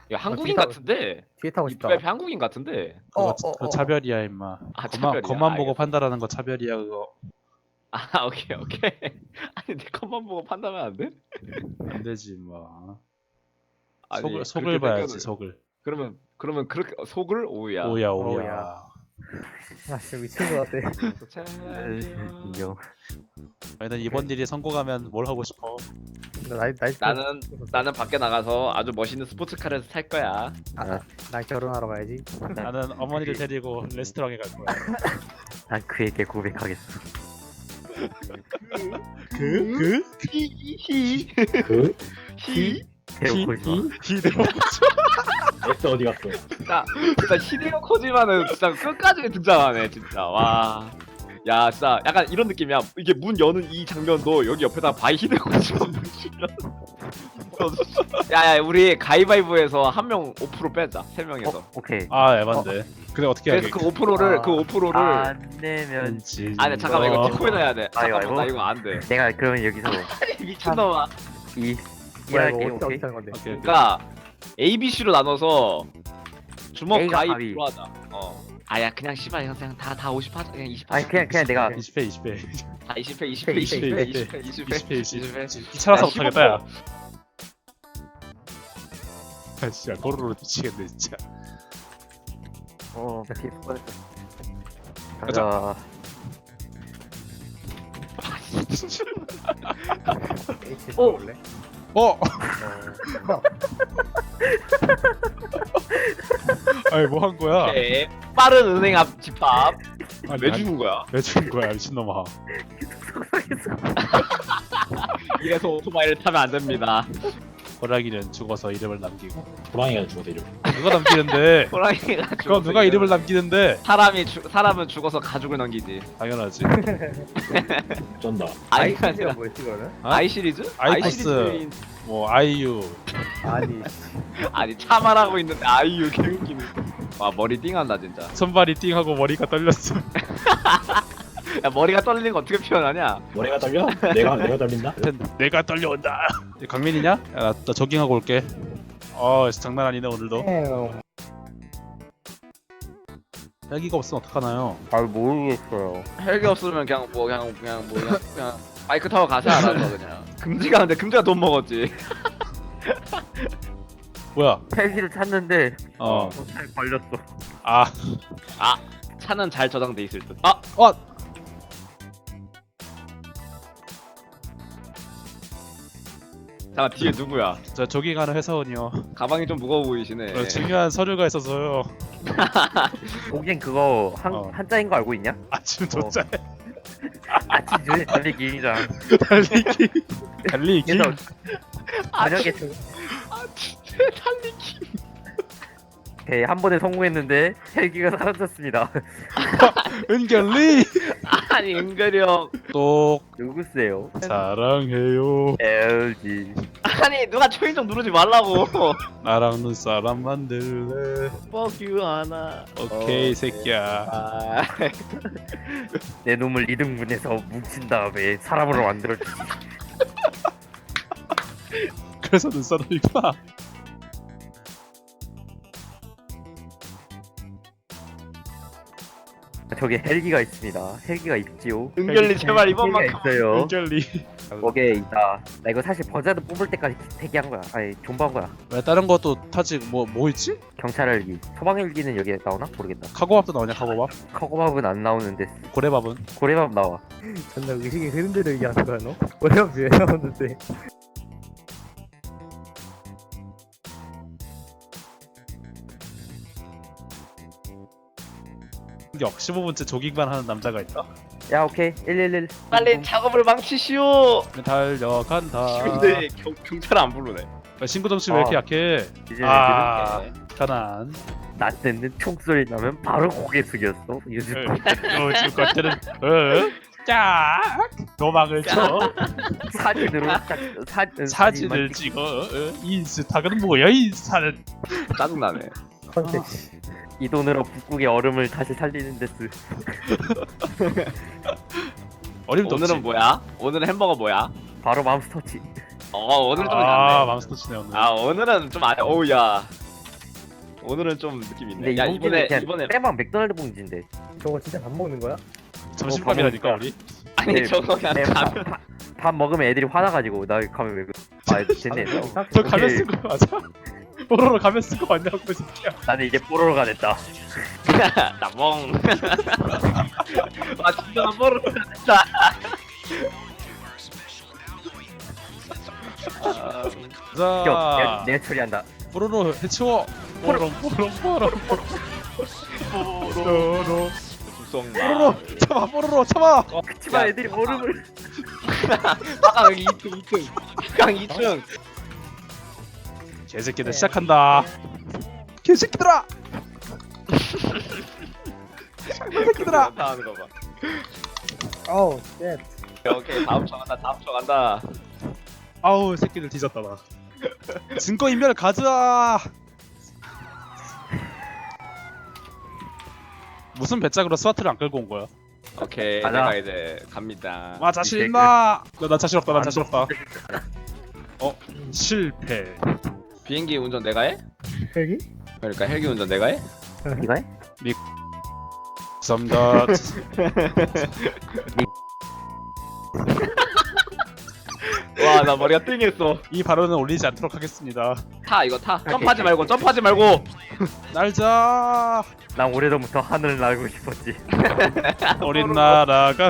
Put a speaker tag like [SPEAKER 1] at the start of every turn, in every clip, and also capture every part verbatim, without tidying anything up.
[SPEAKER 1] 야 한국인
[SPEAKER 2] 뒤에 타-
[SPEAKER 1] 같은데.
[SPEAKER 2] 뒤에 타고 싶다.
[SPEAKER 1] 이프에프 한국인 같은데.
[SPEAKER 2] 어,
[SPEAKER 3] 그거,
[SPEAKER 2] 어,
[SPEAKER 3] 그거
[SPEAKER 2] 어.
[SPEAKER 3] 차별이야 임마.
[SPEAKER 1] 아,
[SPEAKER 3] 겉만,
[SPEAKER 1] 차별이야.
[SPEAKER 3] 겉만 보고
[SPEAKER 1] 알겠어.
[SPEAKER 3] 판단하는 거 차별이야 그거.
[SPEAKER 1] 아 오케이 오케이. 아니 내 컷만 보고 판단하면 안 돼?
[SPEAKER 3] 안 되지 임마.
[SPEAKER 1] 아니,
[SPEAKER 3] 속을 속을
[SPEAKER 1] 그렇게
[SPEAKER 3] 봐야지
[SPEAKER 1] 생각을-
[SPEAKER 3] 속을.
[SPEAKER 1] 그러면 그러면 그렇게 속을 오야.
[SPEAKER 3] 오야
[SPEAKER 2] 오야.
[SPEAKER 3] 오야.
[SPEAKER 2] 아 진짜 미친 것 같아.
[SPEAKER 4] 인정.
[SPEAKER 3] 아니 난 이번 일이 성공하면 뭘 하고 싶어?
[SPEAKER 2] 나 나이 나이
[SPEAKER 1] 나는 나는 밖에 나가서 아주 멋있는 스포츠카를 탈 거야.
[SPEAKER 2] 아, 나 결혼하러 가야지.
[SPEAKER 3] 나는 어머니를 데리고 레스토랑에 갈 거야.
[SPEAKER 4] 난 그에게 고백하겠어.
[SPEAKER 3] 그? 그?
[SPEAKER 1] 히히히
[SPEAKER 5] 그?
[SPEAKER 1] 히.
[SPEAKER 4] 데리고 오지 마.
[SPEAKER 3] 히데오.
[SPEAKER 5] 엑스 어디 갔어?
[SPEAKER 1] 진짜 진짜 히데오 코지마는 진짜 끝까지 등장하네 진짜. 와. 야 진짜 약간 이런 느낌이야. 이게 문 여는 이 장면도 여기 옆에다 바이 히데오 코지마 묻히면. 야야 우리 가위바위보에서 한 명 오 퍼센트 빼자. 세 명에서.
[SPEAKER 4] 어, 오케이.
[SPEAKER 3] 아 에반데. 그래 어떻게
[SPEAKER 1] 그래서
[SPEAKER 3] 하게?
[SPEAKER 1] 그 오 퍼센트를
[SPEAKER 2] 아.
[SPEAKER 1] 그 오 퍼센트를
[SPEAKER 4] 안 내면
[SPEAKER 1] 아, 근데 잠깐만 이거 디코인 해야 돼. 잠깐만
[SPEAKER 4] 아이고.
[SPEAKER 1] 나 이거 안 돼.
[SPEAKER 4] 내가 그러면 여기서
[SPEAKER 1] 미친놈아.
[SPEAKER 4] 이
[SPEAKER 2] 뭐야
[SPEAKER 4] 일할게.
[SPEAKER 2] 이거 어떻게
[SPEAKER 4] 오케이.
[SPEAKER 2] 어떻게 하는 건데?
[SPEAKER 3] 오케이, 오케이.
[SPEAKER 1] 그러니까 A, B, C로 나눠서 주먹
[SPEAKER 4] A가
[SPEAKER 1] 가위
[SPEAKER 4] 가위.
[SPEAKER 1] 로 하자. 어. 아야 그냥 씨발 이거 그냥 다다 오십 하자. 그냥 이십 하자.
[SPEAKER 4] 아니 그냥 그냥 내가
[SPEAKER 3] 이십 회 이십 회.
[SPEAKER 1] 다 이십 회 이십 회 이십 회 이십 회 이십 회
[SPEAKER 3] 이십 회 이십
[SPEAKER 1] 이십 회.
[SPEAKER 3] 회. 귀찮아서
[SPEAKER 1] 야,
[SPEAKER 3] 못하겠다 야. 아 진짜 도로로 미치겠네 진짜.
[SPEAKER 4] 어 피스 뻔했어.
[SPEAKER 3] 가자.
[SPEAKER 4] 가자.
[SPEAKER 2] H
[SPEAKER 4] 어.
[SPEAKER 2] 볼래?
[SPEAKER 3] 어!
[SPEAKER 2] 어.
[SPEAKER 3] 아니 뭐 한 거야?
[SPEAKER 1] 오케이. 빠른 은행 앞 집합.
[SPEAKER 3] 아니,
[SPEAKER 1] 왜
[SPEAKER 3] 아니,
[SPEAKER 1] 주는 거야?
[SPEAKER 3] 왜 주는 거야 미친놈아.
[SPEAKER 1] 이래서 오토바이를 타면 안 됩니다.
[SPEAKER 3] 호랑이는 죽어서 이름을 남기고.
[SPEAKER 5] 호랑이가 죽어서 이름.
[SPEAKER 3] 누가 남기는데?
[SPEAKER 1] 호랑이가
[SPEAKER 3] 그건
[SPEAKER 1] 죽어서
[SPEAKER 3] 누가 이름을 남기는데?
[SPEAKER 1] 사람이 죽 사람은 죽어서 가죽을 넘기지.
[SPEAKER 3] 당연하지.
[SPEAKER 5] 쩐다.
[SPEAKER 1] 아이
[SPEAKER 2] 아이시리즈가 뭐였지 그거는?
[SPEAKER 3] 어?
[SPEAKER 1] 아이 시리즈?
[SPEAKER 3] 아이코스.
[SPEAKER 1] 시리즈인-
[SPEAKER 3] 뭐 아이유.
[SPEAKER 2] 아니
[SPEAKER 1] 아니 차말하고 있는데 아이유 개웃기네. 와 머리 띵한다 진짜.
[SPEAKER 3] 손발이 띵하고 머리가 떨렸어.
[SPEAKER 1] 야 머리가 떨리는 거 어떻게 표현하냐?
[SPEAKER 5] 머리가 떨려? 내가 내가 떨린다?
[SPEAKER 3] 내가 떨려온다. 강민이냐? 야, 나, 나 조깅하고 올게. 어, 장난 아니네 오늘도. 헬기가 없으면 어떡하나요?
[SPEAKER 4] 잘 모르겠어요.
[SPEAKER 1] 헬기 없으면 그냥 뭐 그냥 그냥 뭐 그냥, 그냥 바이크 타고 가자 알아서 그냥. 금지가 근데 금지가 돈 먹었지.
[SPEAKER 3] 뭐야?
[SPEAKER 4] 헬기를 찾는데
[SPEAKER 3] 어.
[SPEAKER 4] 잘 걸렸어.
[SPEAKER 3] 아,
[SPEAKER 1] 차는 잘 저장돼 있을 듯. 아
[SPEAKER 3] 어.
[SPEAKER 1] 잠깐 뒤에 누구야?
[SPEAKER 3] 저 조깅하는 회사원이요.
[SPEAKER 1] 가방이 좀 무거워 보이시네.
[SPEAKER 3] 어, 중요한 서류가 있어서요.
[SPEAKER 4] 거긴 그거 한
[SPEAKER 3] 어.
[SPEAKER 4] 한자인 거 알고 있냐?
[SPEAKER 3] 아침 도착.
[SPEAKER 4] 아침 전에 달리기 장.
[SPEAKER 3] 달리기. 달리기.
[SPEAKER 4] 그래서
[SPEAKER 1] 아,
[SPEAKER 4] 저녁에
[SPEAKER 1] 아 진짜 달리기.
[SPEAKER 4] 오케이, 한 번에 성공했는데 헬기가 사라졌습니다.
[SPEAKER 3] 은결리.
[SPEAKER 1] 아니 은근히 형.
[SPEAKER 3] 똑
[SPEAKER 4] 누구세요?
[SPEAKER 3] 사랑해요.
[SPEAKER 4] 엘지.
[SPEAKER 1] 아니 누가 초인종 누르지 말라고.
[SPEAKER 3] 나랑 눈사람 만들래.
[SPEAKER 1] Fuck you 하나.
[SPEAKER 3] 오케이 새끼야.
[SPEAKER 1] 아.
[SPEAKER 4] 내 놈을 이등분해서 뭉친 다음에 사람으로 만들어주지.
[SPEAKER 3] 그래서 눈사람이구나.
[SPEAKER 4] 저기 헬기가 있습니다. 헬기가 있지요.
[SPEAKER 1] 은결리 제발 이번만큼.
[SPEAKER 4] 헬기가 있어요.
[SPEAKER 3] 은결리.
[SPEAKER 4] 거기에 있다. 나 이거 사실 버자드 뽑을 때까지 대기한 거야. 아니 존버한 거야.
[SPEAKER 3] 왜 다른 것도 타지 뭐 뭐 있지?
[SPEAKER 4] 경찰 헬기. 소방 헬기는 여기에 나오나? 모르겠다.
[SPEAKER 3] 카고밥도 나오냐 카고밥?
[SPEAKER 4] 커고밥은 안 나오는데
[SPEAKER 3] 고래밥은?
[SPEAKER 4] 고래밥 나와.
[SPEAKER 2] 존나 의식이 흐른 대로 얘기하는 거야 너? 뭐야 왜 나오는데?
[SPEAKER 3] 역 십오 분째 조깅만 하는 남자가 있다.
[SPEAKER 4] 야 오케이 일일일.
[SPEAKER 1] 빨리 작업을 망치시오.
[SPEAKER 3] 달려간다.
[SPEAKER 1] 근데 경, 경찰 안 부르네.
[SPEAKER 3] 야, 신고 점수 왜 이렇게
[SPEAKER 4] 아.
[SPEAKER 3] 약해?
[SPEAKER 4] 이제
[SPEAKER 3] 아,
[SPEAKER 1] 네.
[SPEAKER 3] 편안.
[SPEAKER 4] 나 때는 총소리 나면 바로 고개 숙였어. 요즘
[SPEAKER 3] 요즘 것들은 어? 짝 도망을 쳐
[SPEAKER 4] 사진으로 딱 사,
[SPEAKER 3] 사진을 찍어 어? 인스타그램 뭐야 인스타는.
[SPEAKER 1] 짜증나네.
[SPEAKER 2] 컨텐츠.
[SPEAKER 4] 이 돈으로 북극의 얼음을 다시 살리는 데스.
[SPEAKER 3] 어림도
[SPEAKER 1] 오늘은
[SPEAKER 3] 없지.
[SPEAKER 1] 뭐야? 오늘은 햄버거 뭐야?
[SPEAKER 4] 바로 맘스터치.
[SPEAKER 1] 어 오늘 좀
[SPEAKER 3] 아
[SPEAKER 1] 낫네.
[SPEAKER 3] 맘스터치네 오늘.
[SPEAKER 1] 아 오늘은 좀 아니. 어우야. 오늘은 좀 느낌 있네.
[SPEAKER 4] 근데
[SPEAKER 1] 야
[SPEAKER 4] 이
[SPEAKER 1] 이번에
[SPEAKER 4] 봉지는
[SPEAKER 1] 이번에
[SPEAKER 4] 그냥 빼박 맥도날드 봉지인데.
[SPEAKER 2] 저거 진짜 밥 먹는 거야?
[SPEAKER 3] 점심밥이라니까
[SPEAKER 4] 어,
[SPEAKER 3] 우리.
[SPEAKER 1] 아니
[SPEAKER 4] 네,
[SPEAKER 1] 저거 그냥
[SPEAKER 4] 네,
[SPEAKER 1] 가면
[SPEAKER 4] 밥, 밥, 밥 먹으면 애들이 화나가지고 나 가면 왜 그? 아 됐네. 너.
[SPEAKER 3] 저 가면 쓴 거 맞아? 뽀로로 가면 쓴 거 맞냐고 진짜.
[SPEAKER 4] 나는 이제 뽀로로가 됐다.
[SPEAKER 1] 나멍. 아 진짜 나 모르 진짜. 아,
[SPEAKER 3] 자,
[SPEAKER 4] 내가, 내가 처리한다.
[SPEAKER 3] 뽀로로 해치워. 뽀로로 뽀로로 뽀로로 뽀로로
[SPEAKER 1] 구성.
[SPEAKER 3] 뽀로로 참아 뽀로로 참아.
[SPEAKER 4] 그치만 애들이 얼음을.
[SPEAKER 1] 아 여기 이 층 이 층. 강 이 층.
[SPEAKER 3] 개새끼들 시작한다. 개새끼들아. 개새끼들아.
[SPEAKER 1] 다 하는 거 봐.
[SPEAKER 2] 어우 쉣.
[SPEAKER 1] 오케이, 오케이 다음 쳐 간다. 다음 쳐 간다.
[SPEAKER 3] 아우 새끼들 뒤졌다 나. 증거 인멸 가자. 무슨 배짱으로 스와트를 안 끌고 온 거야?
[SPEAKER 1] 오케이
[SPEAKER 4] 가자.
[SPEAKER 1] 내가 이제 갑니다.
[SPEAKER 3] 아 자신 있나? 나, 나 자신 없다. 나 자신 없다. 어 실패.
[SPEAKER 1] 비행기 운전 내가 해?
[SPEAKER 2] 헬기?
[SPEAKER 1] 그러니까 헬기 운전 내가 해?
[SPEAKER 4] 이거 해?
[SPEAKER 3] 감사합니다.
[SPEAKER 1] 와 나 머리가 띵했어.
[SPEAKER 3] 이 발언은 올리지 않도록 하겠습니다.
[SPEAKER 1] 타 이거 타. 점프하지 말고 점프하지 말고.
[SPEAKER 3] 날자.
[SPEAKER 4] 난 오래전부터 하늘을 날고 싶었지.
[SPEAKER 3] 어린 나라가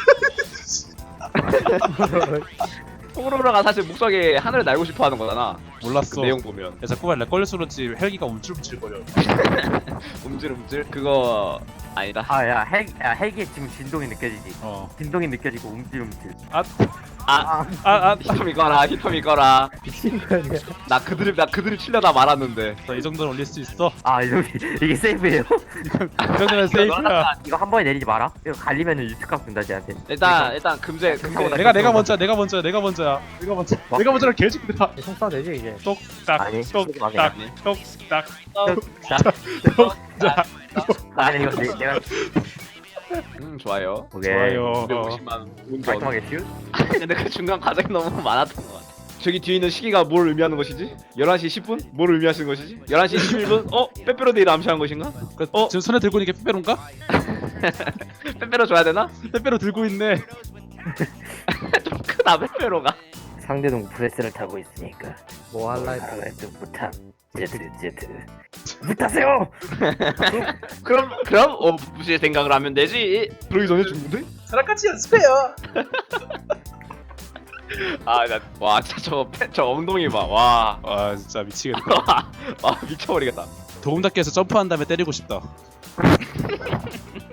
[SPEAKER 1] 호로로가 사실 목적이 하늘을 날고 싶어하는 거잖아. 그
[SPEAKER 3] 몰랐어.
[SPEAKER 1] 내용 보면
[SPEAKER 3] 야 자꾸만 렉 걸려서 그런지 헬기가 움찔움찔거려.
[SPEAKER 1] 움찔움찔 그거 아니다.
[SPEAKER 4] 아야 헬, 야 헬기에 지금 진동이 느껴지지.
[SPEAKER 3] 어.
[SPEAKER 4] 진동이 느껴지고 움찔움찔.
[SPEAKER 3] 아,
[SPEAKER 1] 아,
[SPEAKER 3] 아, 아.
[SPEAKER 1] 히톰이 거라 히톰이 거라.
[SPEAKER 2] 미친 거 아니야?
[SPEAKER 1] 나 그들을 나 그들을 치려다 말았는데.
[SPEAKER 3] 자, 이 정도는 올릴 수 있어.
[SPEAKER 4] 아 여기 이게 세이브예요?
[SPEAKER 3] 이 정도는 세이프야.
[SPEAKER 4] 이거 한 번에 내리지 마라. 이거 갈리면은 유튜브 준다 쟤한테.
[SPEAKER 1] 일단 일단 금제 금제.
[SPEAKER 3] 내가 내가 먼저야. 내가 먼저야. 내가 먼저야. 내가 먼저.
[SPEAKER 4] 뭐?
[SPEAKER 3] 내가 먼저라 개새끼들아.
[SPEAKER 2] 총 쏴도 되지 이제.
[SPEAKER 3] 똑딱
[SPEAKER 4] 아니,
[SPEAKER 3] 똑딱
[SPEAKER 1] 아니.
[SPEAKER 3] 똑딱
[SPEAKER 4] 자,
[SPEAKER 3] 똑딱.
[SPEAKER 4] 아니 이거 내, 내가
[SPEAKER 1] 음 좋아요.
[SPEAKER 4] 오케이.
[SPEAKER 3] 좋아요.
[SPEAKER 1] 오백오십만 운전.
[SPEAKER 4] 깔끔하게 치우.
[SPEAKER 1] 근데 그 중간 과정이 너무 많았던 것 같아. 저기 뒤에 있는 시기가 뭘 의미하는 것이지? 열한 시 십 분? 뭘 의미하시는 것이지? 열한 시 십일 분? 어? 빼빼로데이를 암시한 것인가?
[SPEAKER 3] 그,
[SPEAKER 1] 어?
[SPEAKER 3] 지금 손에 들고 있는 게 빼빼로인가?
[SPEAKER 1] 빼빼로 줘야 되나?
[SPEAKER 3] 빼빼로 들고 있네.
[SPEAKER 1] 좀 크다 빼빼로가.
[SPEAKER 4] 상대동 프레스를 타고 있으니까
[SPEAKER 2] 뭐 할라 했다.
[SPEAKER 4] 바람에도 못함. 제트 제트. 못하세요.
[SPEAKER 1] 그럼 그럼 어 무시의 생각을 하면 되지. 그러기 전에 죽는데?
[SPEAKER 3] 사람같이 연습해요.
[SPEAKER 1] 아나와 진짜 저, 패, 저 엉덩이 봐. 와.
[SPEAKER 3] 아 진짜 미치겠다.
[SPEAKER 1] 와 미쳐버리겠다.
[SPEAKER 3] 도움닫기 해서 점프한 다음에 때리고 싶다.